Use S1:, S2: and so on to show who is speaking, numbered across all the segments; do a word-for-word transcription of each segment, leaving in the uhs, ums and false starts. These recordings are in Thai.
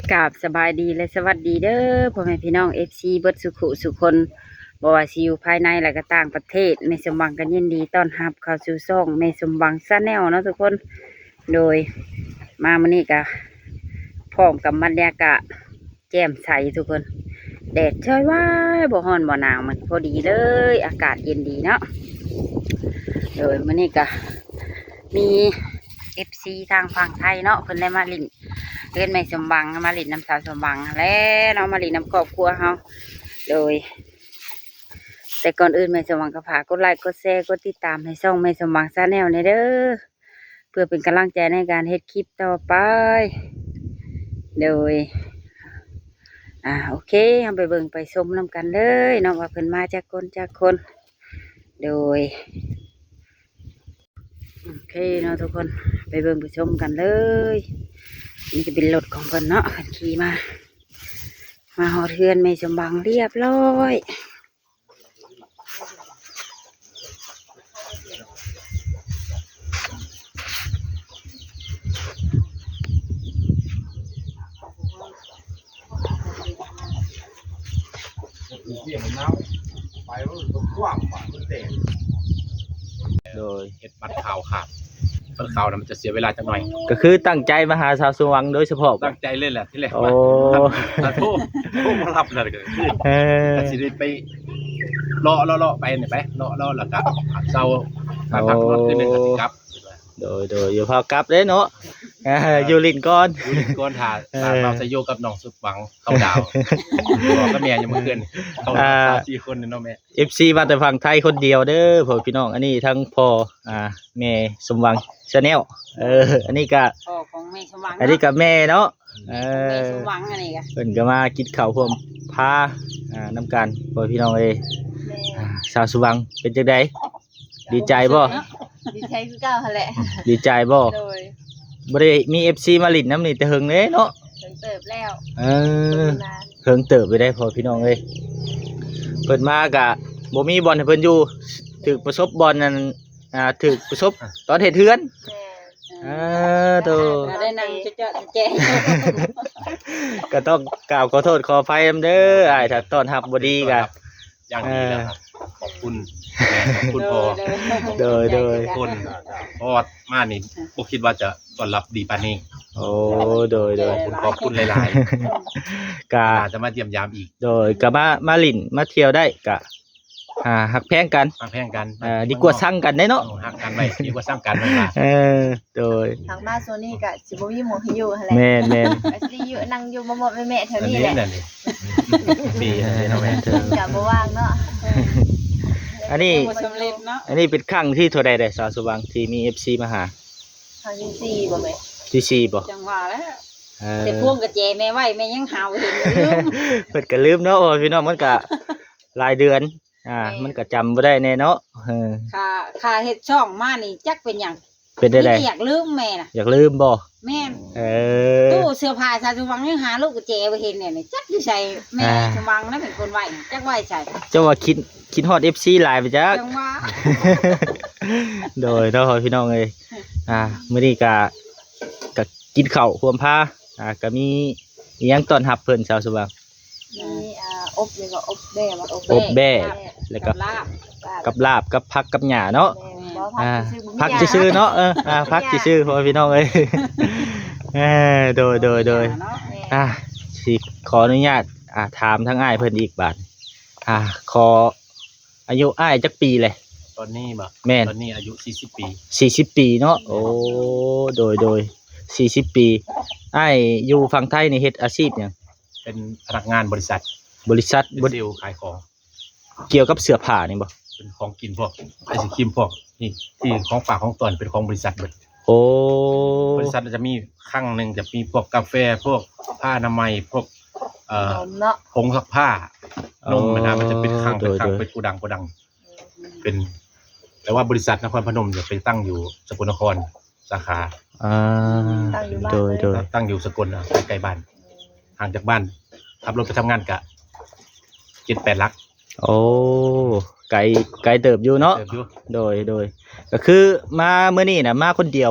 S1: กราบสบายดีและสวัสดีเด้อพ่อแม่พี่น้องเอฟซีเบิดสุขุสุคนบ่ว่าสิอยู่ภายในและก็ต่างประเทศแม่สมหวังกันยินดีต้อนรับเข้าสู่ช่องแม่สมหวังชาแนลเนาะทุกคนโดยมามื้อนี้ก็พร้อมกับบรรยากาศแจ่มใสทุกคนแดดช่วยว่าบ่ร้อนบ่หนาวมันพอดีเลยอากาศเย็นดีเนาะโดยมื้อนี้ก็มีเอฟซีทางฝั่งไทยเนาะเพิ่นได้มาลิ้นเล่นแม่สมบังมาลิ้นน้ำสาวสมบังแล้วเนาะมาลิ้นน้ำครอบครัวเฮาโดยแต่ก่อนอื่นแม่สมบังก็ฝากกดไลค์กดแชร์กดติดตามให้ช่องแม่สมบังชาแนลเด้อเพื่อเป็นกำลังใจในการเฮ็ดคลิปต่อไปโดยอ่าโอเคเอาไปเบิ่งไปชมน้ำกันเลยเนาะว่าเพิ่นมาจากคนจากคนโดยโอเคเนาะทุกคนไปเบิ่งไปชมกันเลยนี่จะเป็นรถของเพิ่นเนาะเพิ่นขี่มามาหอเทือนไม่สมบังเรียบร้อย
S2: โดย
S3: เฮ็ดบัตรข่าวขาดบัตรข่าวนะมันจะเสียเวลาจังหน่อย
S2: ก็คือตั้งใจมาหาชาวสวังโดยเฉพาะ
S3: ตั้งใจเล่นแหละที่แรก
S2: โอ้
S3: ว่าถ้าโทรโทรมารับเลยก็คือ
S2: เออ
S3: ก็สิได้ไปเลาะเลาะเลาะไปนี่ไปเลาะเลาะแล้วก็เซามาพักรถคืนนึงก็สิกลับ
S2: โดยโดยอยู่พอกลับเด้เนาะเอออยู่ลิ้นก่อน
S3: อยู่นี่ก่อนถ่าตามเราจะโยกับน้องสุดหวังเข้าดาวบอกกับแม่ยังบ่เกินเข้าดาวสี่คนนี่เนาะแม่
S2: เอฟ ซี มาแต่ฝั่งไทยคนเดียวเด้อพ่อพี่น้องอันนี้ทั้งพ่ออ่าแม่สมหวังชาแนลเอออันนี้ก็
S1: พ่อของแม่สมหวัง
S2: อันนี้ก็แม่เนาะเอ
S1: แม่
S2: อ
S1: สมหวังอันนี้ก็
S2: เพิ่นก็มากินข้าวพร้อมพาอ่าน้ำกันพ่อพี่น้องเอ้ยอ่าชาวสวังเป็นจังไดดีใจบ่
S4: ดีใจคือเก่าหั่นแหละ
S2: ดีใจบ่
S4: โดย
S2: บ่ได้มี เอฟ ซี มาลิ้นน้ำนี่แต่เฮิงเด้เนาะ
S4: ถึงเติบแล้ว
S2: เออ
S4: นาน
S2: เพิ่งเติบไปได้พอพี่น้องเอ้ยเพิ่นมากะบ่มีบอลให้เพิ่นอยู่ถึกประสบบอลนั่นอ่าถึกประสบตอนเฮ็ดเฮือน
S4: แม่
S2: เออโต
S1: ก็ได้นั่งเจาะๆแจ๊ะ
S2: ก็ต้องกล่าวขอโทษขออภัยนำเด้ออ้ายถ้าต้อนรับบ่ดีกะ
S3: อย่างดีแล้วครับขอบคุณแม่ขอบคุณพ่อ
S2: โดยโดย
S3: ทุกคนเพราะว่ามานี่บ่คิดว่าจะต้อนรับดีปานนี้
S2: โอ้โดยโด
S3: ข
S2: ย
S3: อบคุณขอบคุณหลาย
S2: กะ
S3: ๆอาจจะมาเยี่ยมยามอีก
S2: โดยก็มามาลิ้นมาเที่ยวได้กะอ่าฮักแพงกัน
S3: มาแพงกัน
S2: เอ่อดีกว่าสั่งกันได้เนาะ
S3: เอาหักกันไว้ดีกว่าสร้างกันไว้ล่ะ
S2: เออโดย
S4: ทางบ้านโซนี่ก็สิบ่มีหมู่ให้อยู่หั่นแหละ
S2: แม่นแม่น
S4: ก็สิอยู่นั่งอยู่บ่หมดแม่ๆแถว
S3: อัน
S4: นี้
S3: นี้
S4: แหละ
S3: นั่นนี่ปีอันนี้เนาะแม่
S2: เออ
S4: ก็บ่ว่างเนาะ
S2: อันนี้
S1: บ่สำเร็จเนาะ
S2: อันนี้เป็นครั้งที่เท่าใดได้สาวสว่างที่มี เอฟ ซี มาหา
S4: ครั้งที่สี่บ่แม่
S2: ที่สี่บ่
S1: จังหวะแล้ว
S2: เออ
S1: แต่พวงกับเจแม่ไหวแม่ยังหาวเห็นอยู่
S2: เพิ่นก็ลืมเนาะโอ้ยพี่น้องมันก็หลายเดือนอ่ามันก็จำบ่ได้แน่เนาะเออ
S1: ค่าค่าเฮ็ดช่องมานี่จักเป็นหยัง
S2: เป็นได้ได
S1: นี่อยากลืมแม่น่ะ
S2: อยากลืมบ่
S1: แม่น
S2: เออ
S1: ตู้เสื้อผ้าชาสมหวังยังหาลูกกับเจไปเห็นเนี่ยนี่จักอยู่ใส่แม่
S2: อ่า
S1: สมหวังนั่นเป็นคนไหวน่ะจักไหวใส่
S2: เจ้าว่าคิดคิดฮอด เอฟ ซี หลายไปจัก
S1: จังหวะ
S2: โดยเนาะพี่น้องเอ้ยอ่ามื้อนี้ก็ก็กินข้าวรวมพาอ่าก็มีอีหยังต้อนรับเพิ่นสาวสว่าง
S4: มีอ่าอบนี่ก็อบแบ่บ่อบ
S2: อบแบ่
S4: แบ่
S2: แล้วก็
S1: ลาบ
S2: กับลาบกับผักกับหญ้าเนาะ
S4: แม่บ่
S2: อ่า
S4: พั
S2: พั
S4: ก
S2: กชื่อๆเนาะเอออ่าพักชื่อๆพ่อพี่น้องเอ้ย เออโดยโดยโดย
S1: เนาะ
S2: อ่าสิขออนุญาตอ่าถามทั้งอ้ายเพิ่นอีกบาทอ่าขออายุอ้ายจักปีเลย
S3: ตอนนี้บ่
S2: แม่น
S3: ตอนนี้อายุสี่สิบปี
S2: สี่สิบปีเนาะโอ้โดยโดยสี่สิบปีอ้ายอยู่ฝั่งไทยนี่เฮ็ดอาชีพหยัง
S3: เป็นพนักงานบริษัท
S2: บริษัท
S3: เป็น
S2: บ
S3: เซลล์ขายของ
S2: เกี่ยวกับเสื้อผ้านี่บ่
S3: เป็นของกินพวกไอศครีมพวกนี่ที่ของฝากของตอนเป็นของบริษัทเบิด
S2: โอ้
S3: บริษัทจะมีครั้งหนึ่งจะมีพวกกาแฟพวกผ้าอนามัยพวกเอ่อ
S4: นมเนาะ
S3: ผงซักผ้านมนะมันจะเป็นครั้งเป็นครั้งเป็นโกดังโกดัง เป็น แต่ว่าบริษัทนครพนมจะไปตั้งอยู่สกลนครสาขา
S2: อ่าโดยโดย
S3: ตั้งอยู่สกลอ่ะใกล้ๆบ้านห่างจากบ้านขับรถไปทำงานกะเจ็ดแปดลัก
S2: โอ้ไกลไกลเติบอยู่เนาะ
S3: เติบอยู่
S2: โดยโดยก็คือมาเมื่อนี้นะมาคนเดียวบ่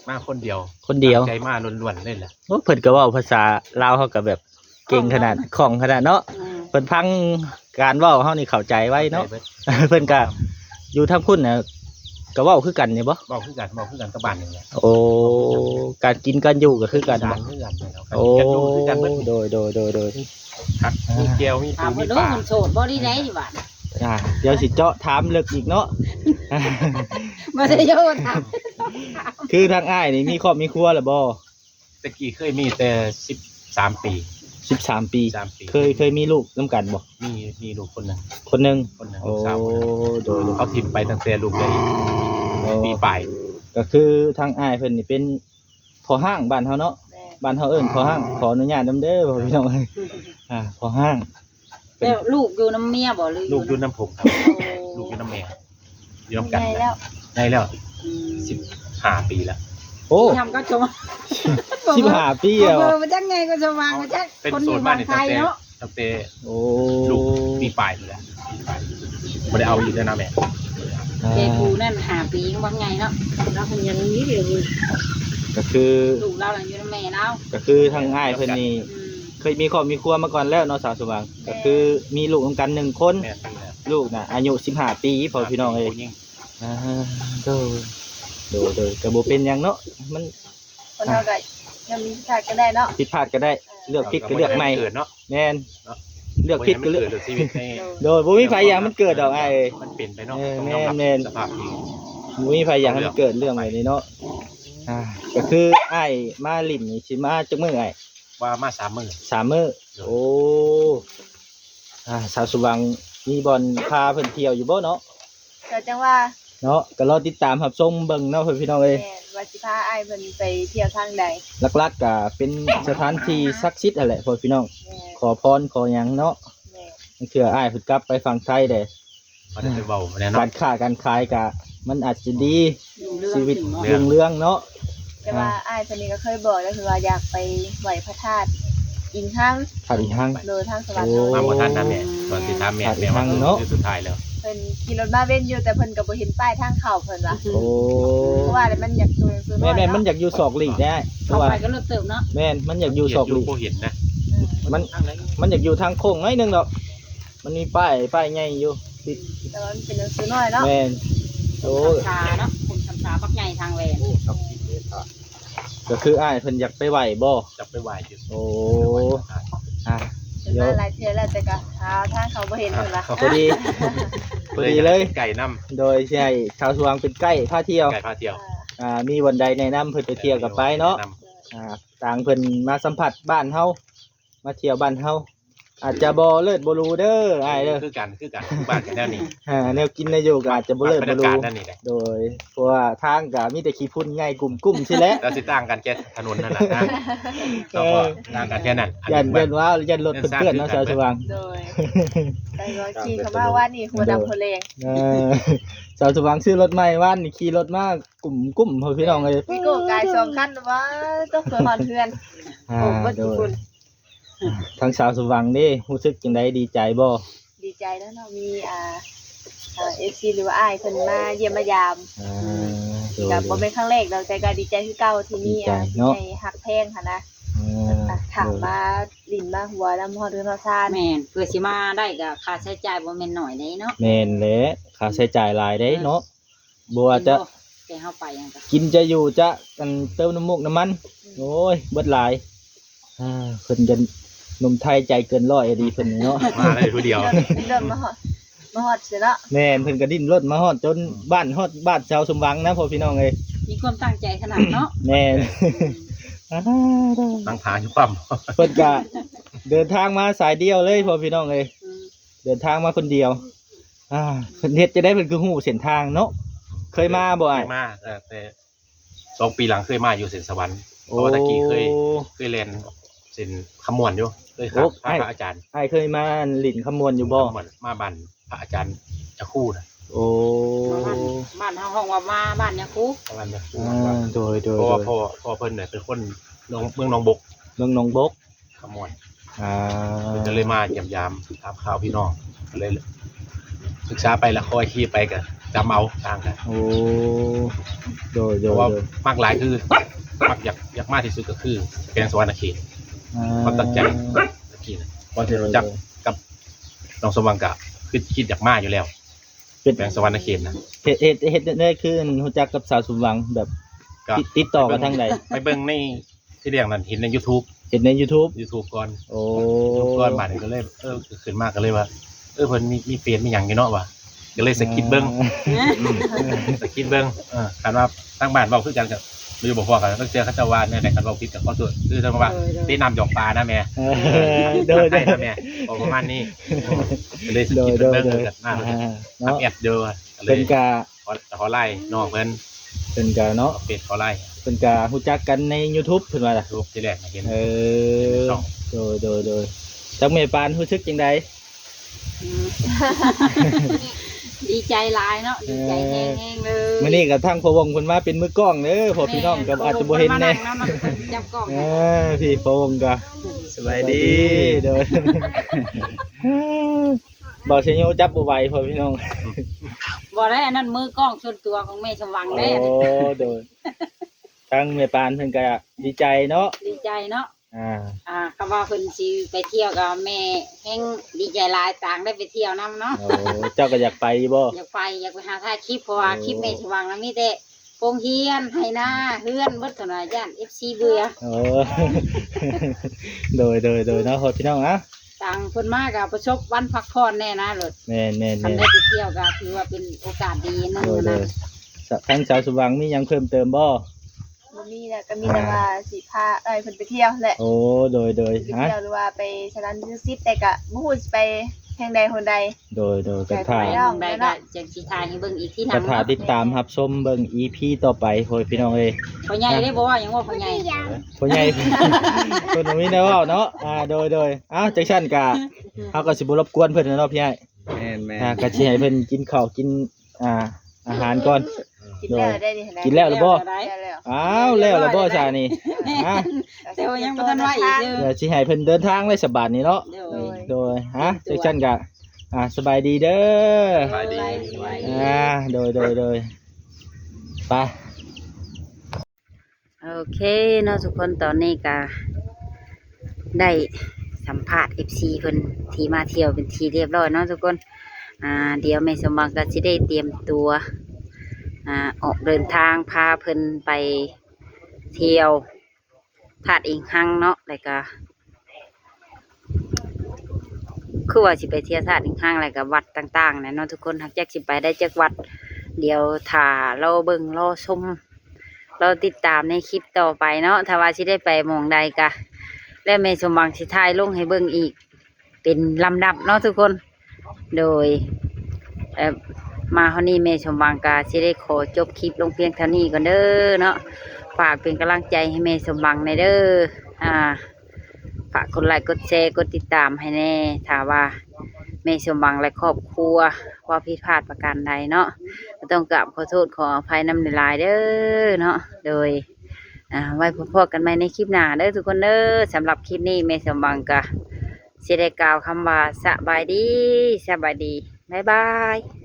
S3: มาคนเดียว
S2: คนเดียว
S3: ใจมาล้วนๆเลยแหละ
S2: โอ้เพิ่นก็เว้าภาษาลาวเฮาก็แบบเก่งขนาดคล่องขนาดเนาะ
S1: อืม
S2: เพิ่นพังการเว้าเฮานี่เข้าใจไว้เนาะ
S3: ใจบิด
S2: เพิ่นก็อยู่ทางพุ่นน่ะก็เว้าคือกันนี่บ่
S3: บอกคือกันบอกคือกันกับบ้านนี่แหละ
S2: โอ้การกินการอยู่ก็คือกัน
S3: สา
S2: บ่
S3: รคือกันเลยเนาะ
S2: โอ้
S3: กันอยู่คือกันเบิด
S2: โดยโดยโดยโดย
S3: ครับมีแก้วมี
S1: ถา
S3: ปู
S1: ม
S3: มี
S1: ว่าดู
S3: ปลา
S1: มันโสดบ่ได้ไหนดีหว่า
S2: อ่าเดี๋ยวสิเจาะถามลึกอีกเนาะ
S1: บ่ได้โยนถาม
S2: คือทางอ้ายนี่มีครอบมีครัวแล้วบ่
S3: ตะกี้เคยมีแต่สิบสามปี
S2: สิบสามปี
S3: สามปี
S2: เคยเคยมีลูกนำกันบ่
S3: มีมีลูกคนหนึง
S2: คนหนึง
S3: คนหนึง
S2: โอ้
S3: ลูกสาวคนหนึง
S2: โดยโดย
S3: เขาถิ่มไปตั้งแต่ลูกได้ปีปลาย
S2: ก็คือทางอ้ายเพิ่นนี่เป็นพอห้างบ้านเฮาเนาะ
S4: แม่
S2: บ้านเฮาเอิ้นพอห้างขออนุญาตนำเด้อพ่อพี่น้องเอ้ยอ่าพอห้าง
S1: แล้วลูกอยู่น้ำเมียบ่หรือ
S3: ลูกอยู่
S1: น้ำ
S3: น้ำผมครับลูกอยู่น้ำแม่อยู่น้ำกัน
S4: ใหญ่แล้ว
S3: ได้แล้ว
S1: อืม
S3: สิบห้าปีแล้ว
S2: โอ้
S1: ทำก็ชม
S2: สิบห้าปี
S1: เอ
S2: แล้ว
S1: อมันจังไงก็ชมวางก็จัก
S3: เป็น
S1: คนอ
S3: โซ
S1: ยู่
S3: น
S1: บ้า
S3: บ้าน
S1: น
S3: นี่
S1: ไท
S3: ตั้ง
S1: ย
S3: แต่
S1: เนาะ
S3: ตั้งแต่
S2: โอ้
S3: ลูกปีปลายอยู่แล้วปีปลายไม่ได้เอาอยู่ด้วยนะแม่
S2: อ่า
S1: เจปูนั่นหาปีว่าไงเนาะเราคนยังนี้เดียวอยู่
S2: ก็คือ
S1: ลูกเราหลังอยู่น้ำแม่เรา
S2: ก็คือทางอ้ายเพิ่นนี่
S1: อืม
S2: เคยมีครอบมีครัวมาก่อนแล้วเนาะสาวสว่างก็คือมีลูกนำกันหนึ่งคน
S3: แม่นี่แหละ
S2: ลูกน่ะอายุสิบห้าปีพ่อพี่น้องเอ้ย
S3: ผู้หญิง
S2: อ่าโดยโดยโดยก็บ่เป็นหยังเนาะมัน
S4: คนเท่ากันยังมีชาติก็ได้เนาะ
S2: ผิดพลาดก็ได้เลือกผิดก็เลือกใหม่
S3: เกิดเนาะ
S2: แม่นเลือกผิดก็เลือก
S3: เกิดชีวิตใน
S2: โดยบ่มีไผอยากมันเกิดดอกอ้ายเอ้ย
S3: มันเปลี่ยนไปเนาะ
S2: เออ
S3: ต้องยอมรับ
S2: แม่น
S3: สภาพจริง
S2: บ่มีไผอยากให้มันเกิดเรื่องแบบนี้เนาะอ่าก็คืออ้ายมาลิ้นนี่สิมาจักมื้ออ้าย
S3: ว่ามาสามมื้อ
S2: สามมื้อโอ้อ่าสาวสว่างมีบ่อนพาเพิ่นเที่ยวอยู่บ่เนาะ
S4: ก็จังว่า
S2: เนาะก็รอติดตามรับชมเบิ่งเนาะเพิ่นพี่น้องเอ้ย
S4: แม่ว่าสิพาอ้ายเพิ่นไปเที่ยวทางใด
S2: หลักๆก็เป็นสถานที่ศักดิ์สิทธิ์นั่นแหละพ่อพี่น้อง
S4: แม่
S2: ขอพรขอหยังเนาะ
S4: แม่
S2: มันคืออ้ายเพิ่นกลับไปฝั่งไทยเด้
S3: มันได้ไปเว้าแน่
S2: กา
S3: เนาะ
S2: รค้าการขายก็มันอาจจะดี
S1: อยู่เรื่อง
S2: ชีวิต
S1: ถึงเนาะ
S2: รุ่งเรืองเนาะ
S4: แต่ว่าอ้ายคนนี้ก็เคยบอกก็คือว่าอยากไปไหว้พระธาตุอินทั้ง
S2: ถ้าอีกทาง
S4: โดยทางสวรรค์
S2: โอ้
S3: มาบ่ทันนะแม่ตอนสิถามแม่แม่ว่า
S2: เนาะ
S3: คือสุดท้ายแล้ว
S4: เพิ่นขี่รถมาเว้นอยู่แต่เพิ่นก็บ่เห็นป้ายทางเข้าเพิ่นว่า
S2: โอ้
S4: เพราะว่ามันอยากตัวซื้อ
S2: แม่แม่มันอยากอยู่ศอกหลีกได้เพ
S1: เข้า
S2: ราะว่า
S1: ไปก็รถเติมเนาะ
S2: แม่นมันอยากอยู่ศอกหลีก
S3: บ่เห็นนะ
S2: มันมันอยากอยู่ทางโค้งน้อยหนึงดอกมันมีป้ายป้ายใหญ่อยู่ติด
S4: แต่ว่ามันเป็นหนังสือน้อยเนาะ
S2: แม่นโอ้
S1: ชาเนาะผมชำชาปักใหญ่ทางแหวน
S2: ก็คืออ้ายเพิ่นอยากไปไหว้บ่
S3: จับไปไหวอยู่
S2: โอ้อ่ะ
S4: เป็นมาหลายเทื่อแล้วแต่ก็หาทางเขาบ่เห็นเพิ่นว่า
S2: พอดี พอดีเลย
S3: ไก่น้
S2: โดยใช่ชาวสว่างเป็นใกล้พาเที่ยว
S3: ำไก่พาเที่ยว
S2: อ่ามีวันใดแนะนำเพิ่นไปเที่ยวกับไปเนาะอ่าต่างเพิ่นมาสัมผัสบ้านเฮามาเที่ยวบ้านเฮาอาจจะบ่เลิศบ่รู้เด้ออ้ายเด้อ
S3: คือกันคือกันคือบ้านกันแนวนี้
S2: อ่าแนวกินแนวอยู่ก็อาจจะบ่เลิศ
S3: บรร
S2: บ่
S3: ยากา
S2: รู้
S3: ศนั่นนี่แหละ
S2: โดยเพราะว่าทางก็มีแต่ขี้ฝุ่นใหญ่กลุ่มๆสิแหละ
S3: เราสิต่างกันแค่ถนนนั่นแหละนะเราก็ต่างกันแค่นั้น
S2: ยันเพิ่นว่ายันรถเพิ่นเปื้อนเนาะชาวสว่าง
S4: โดยแต่ว่าขี่เข้ามาว่านี่หัวดำหัวแรง
S2: เออชาวสว่างซื้อรถใหม่ว่านนี่ขี่รถมากลุ่มกลุ่มพ่อพี่น้องเลย
S4: พี่โก้กายสองคันว่าต้องเพื่อฮอนเพื่อน
S2: อ่า
S4: โอ้บ่
S2: โด
S4: ทุก
S2: ย
S4: คน
S2: ทางชาวสว่างนี่รู้สึกจังไดดีใจบ่
S4: ดีใจแล้วเนาะมีอ่าอ่า เอฟ ซี หรือว่าอ้ายเพิ่นมาเยี่ยมมายาม
S2: อ่าโดย
S4: ก็บ่เป็นครั้งแรกดอกแต่ก็ดีใจคือเก่าที่มีอ่า
S2: ดีใจเนาะ
S4: ในฮักแพงค่ะนะ
S2: อ่า
S4: อ่ะถามมาลิ้นมาหัวน้ำฮอดเรือนฮอดซ่าน
S1: แม่นเพื่อสิมาได้ก็ค่าใช้จ่ายบ่แม่นน้อยเด้เนาะ
S2: แม่นแหละค่าใช้จ่ายหลายเด้เนาะบ่ว่าจะ
S1: แกเฮาไปหยังก็
S2: กินจะอยู่จะกันเติมน้ำมูกน้ำมันโอ้ยเบิดหลายอ่าเพิ่นจะหนุ่มไทยใจเกินร้อยอะดีเพิ่นนี่เนาะ
S3: มาได้ผู้เดียว
S4: เริ่มเริ่มมาฮอดมาฮอดเสียเนาะ
S2: แม่นเพิ่นก็ดิ้นรนมาฮอดจนบ้านฮอดบ้านชาวสมหวังนะพ่อพี่น้องเอ้ย
S1: มีความตั้งใจขนาดเนาะ
S2: แม่น อ่า
S3: ตั้งทางอยู่ปั๊ม
S2: เพิ่นก็เดินทางมาสายเดียวเลยพ่อพี่น้องเอ้ย
S1: อืม
S2: เดินทางมาคนเดียว อ่าเพิ่นเฮ็ดจะได้เพิ่นคือฮู้เส้นทางเนาะเคยมาบ่อ้าย
S3: เคยมาแต่แต่สองปีหลังเคยมาอยู่เส้นสวรรค์เพราะว่าตะกี้เคยเคยเรียนเส้นขมวนอยู่เคยครับพระอาจารย์
S2: อ้ายเคยมาหลินขมวนอยู่บ่
S3: ขมวนมาบันพระอาจารย์จะคู่นะ
S2: โอ้
S1: บ้านบ้านเฮาห้องว่ามาบ้านยาคู
S3: ประมาณนี้
S2: อ่าโดยโดย
S3: เพราะ
S2: โด
S3: ว่าย พ่อพ่อเพิ่นเนี่ยเป็นคนหนองเมืองหนองบก
S2: เมืองหนองบก
S3: ขมวน
S2: อ่า
S3: เพิ่นก็เลยมาเยี่ยมยามถามข่าวพี่น้องก็เลยศึกษาไปแล้วคอยขี่ไปกันไปจำเอาต่างกัน
S2: โอ้โดยโด
S3: เพ
S2: ย
S3: ราะว่า
S2: โดย
S3: มากหลายคือมักอยากอยากมากที่สุดก็คือแกงสวรรค์เขต
S2: อ่
S3: ความตั้งใจตะกี้นะก่อนที่เราจักกับน้องสมหวังกะคือคิดอยากมากอยู่แล้ว
S2: เป็น
S3: แกงสวรรค์เขตนะ
S2: เฮ็ดเฮ็ดเฮ็ดได้คือรู้จักกับสาวสมหวังแบบ
S3: ก็
S2: ติดติดต่อกันทางใด
S3: ไปเบิ่งในที่เรียกนั้นเห็นใน YouTube
S2: เห็นใน YouTube
S3: YouTube ก่อน
S2: โอ้
S3: YouTube ก่อนมาเนี่ยก็เลยเออขึ้นมากก็เลยว่าเออเพิ่นมีมีเฟซมีหยังอยู่เนาะว่ะก็เลยสะกิดเบิ่ง สะกิดเบิ่งเออคันว่าตั้งบ้านเว้าคือกันกับบ่อยู่บ่พอกันต้องเจอเขาเจ้าว่าเนี่ยแต่คันเว้าผิดก็ขอโทษคือจังว่าได้นำหยอกปลานะแม่
S2: เออโดยโด
S3: ได้
S2: ย
S3: นะแม่บอกประมาณนี้ก็เลยสะ
S2: โด
S3: กิ
S2: ย
S3: ด
S2: โด
S3: เบิ่
S2: ย
S3: ง
S2: โด
S3: เบิ่
S2: ย
S3: งกันมา
S2: อ่า
S3: ทำ
S2: เนาะ
S3: แอดเด้อก็เล
S2: เป็
S3: ย
S2: นกา
S3: ขอขอไล่น้องเพิ่น
S2: เป็นกาเนาะ
S3: เอาเฟซขอไล่
S2: เป็นการู้จักกันใน YouTube เพิ่นว่าล่ะ
S3: รูปที่แรกเห็น
S2: เออ
S3: ช่อง
S2: โดยโดยโดยจักแม่ปานรู้สึกจังได
S1: อืม ดีใจหลายเนาะดีใจแห้งๆเลย
S2: มื้อนี้ก็ทางพ่อวงเพิ่นมาเป็นมือกล้องเด้อพ่อพี่น้องก็อาจจะบ่เห็นแน่
S1: จับกล้อง
S2: เออพี่พ่อวงก็สบายดีเด้อ บ่สิโยจับบ่ไหวพ่อพี่น้อง
S1: บ่ได้อันนั้นมือกล้องส่วนตัวของแม่สมหวัง
S2: โอ้
S1: เด้
S2: โดยทางแม่ปานเพิ่นก็ดีใจเนาะ
S1: ดีใจเนาะ
S2: อ่า
S1: อ่าคำว่าเพิ่นสิไปเที่ยวกับแม่แฮงดีใจหลายต่างได้ไปเที่ยวนํเนาะ
S2: โอ้เจ้าก็อยากไปบ่
S1: อยากไปอยากไปหาถ่ายคลิปเพราะว่าคลิปแม่สมหวังนะมีแต่โรงเรียนไห้นาเฮือนเบิดเท่านั้นย่าน เอฟ ซี เบื่อ
S2: โอ้ โดยโดยโดยเนาะพ่อพี่น้องอ่ะ
S1: ต่างเพิ่นมาก็ประสบวันพักผ่อนแน่นะรถ
S2: แม่นแม่น
S1: คัน
S2: แม่น
S1: ได้ไปเที่ยวก็ถือว่าเป็นโอกาสดีนึง
S2: โดยโด
S1: นะ
S2: ยทางสาวสว่างมีหยังเพิ่มเติมบ่
S4: บ่มีแหละก็มีแต่ว่าสิพาเอ้ยเพิ่นไปเที่ยวแหละ
S2: โอ้โดยโดย
S4: ไป
S2: ฮะ
S4: เที่ยวหรือว่าไปสถานที่ซิดแต่ก็บ่ฮู้สิไปแห่งใดหนใด
S2: โดยโดยกระ
S1: ไป
S2: ถา
S1: หม้องใดก็จังสิถ่ายให้เบิ่งอีกที่
S2: ก
S1: นำ
S2: ระถาติดตามรับชมเบิ่ง อี พี ต่อไปพ่อพี่น้องเอ้ย
S1: พ่อใหญ่ได้บ่ว่าหยังว่าพ่อใหญ่
S2: พ่อใหญ่ เพิ่นบ่มีแนวเว้าเนาะอ่าโดยโดยอ้าวจังซั่นก็เฮาก็สิบ่รบกวนเพิ่นนะเนาะพี่ใหญ่
S5: แม่นแม่น
S2: อ่าก็สิให้เพิ่นกินข้าวกินอ่าอาหารก่อน
S4: กินแล้วได้ดิ
S2: กินแล้วหรือบ่
S1: ได้
S4: กินแล้ว
S2: อ้าวแล้วล่ะบ่ซานี่อ่ะ
S1: แต่ว่ายังบ่ทันไหวอีกเด้อ
S2: เดี๋ยวสิให้เพิ่นเดินทางเลยสบายนี้เนาะ
S1: เดี๋ยว
S2: โดยฮะจังซั่นก็อ่าสบายดีเด้อ
S3: สบายดี
S2: อ่าโดยโดยโดยไป
S1: โอเคเนาะทุกคนตอนนี้ก็ได้สัมภาษณ์ เอฟ ซี เพิ่นที่มาเที่ยวเป็นทีเรียบร้อยเนาะทุกคนอ่าเดี๋ยวแม่สมหวังก็สิได้เตรียมตัวอ่าออกเดินทางพาเพิ่นไปเที่ยวธาตุอิงหังเนาะแล้วก็คือว่าสิไปเที่ยวธาตุอิงหังแล้วก็วัดต่างๆนะเนาะทุกคนหากจักสิไปได้จักวัด เดี๋ยวถ้าเราเบิ่งรอชมเราติดตามในคลิปต่อไปเนาะถ้าว่าสิได้ไปหมองใดกะและแม่สมหวังสิถ่ายลงให้เบิ่งอีก เป็นลำดับเนาะทุกคนโดยเอ่อมาเฮานี้แม่สมหวังกะสิได้ขอจบคลิปลงเพียงเท่านี้ก่อนเด้อเนาะฝากเป็นกำลังใจให้แม่สมหวังในอยเด้ออ่าฝากกดไลค์กดแชร์กดติดตามให้แน่ถ้าว่าแม่สมหวังและครอบครัวว่าผิดพลาดประการใดเนาะก็ต้องกราบขอโทษขออภัยนำในลายๆเด้อเนาะโดยอ่าไว้พบกันใหม่ในคลิปหน้าเด้อทุกคนเด้อสำหรับคลิปนี้แม่สมหวังกะสิได้กล่าวคำว่าสบายดีสบายดีบ๊ายบาย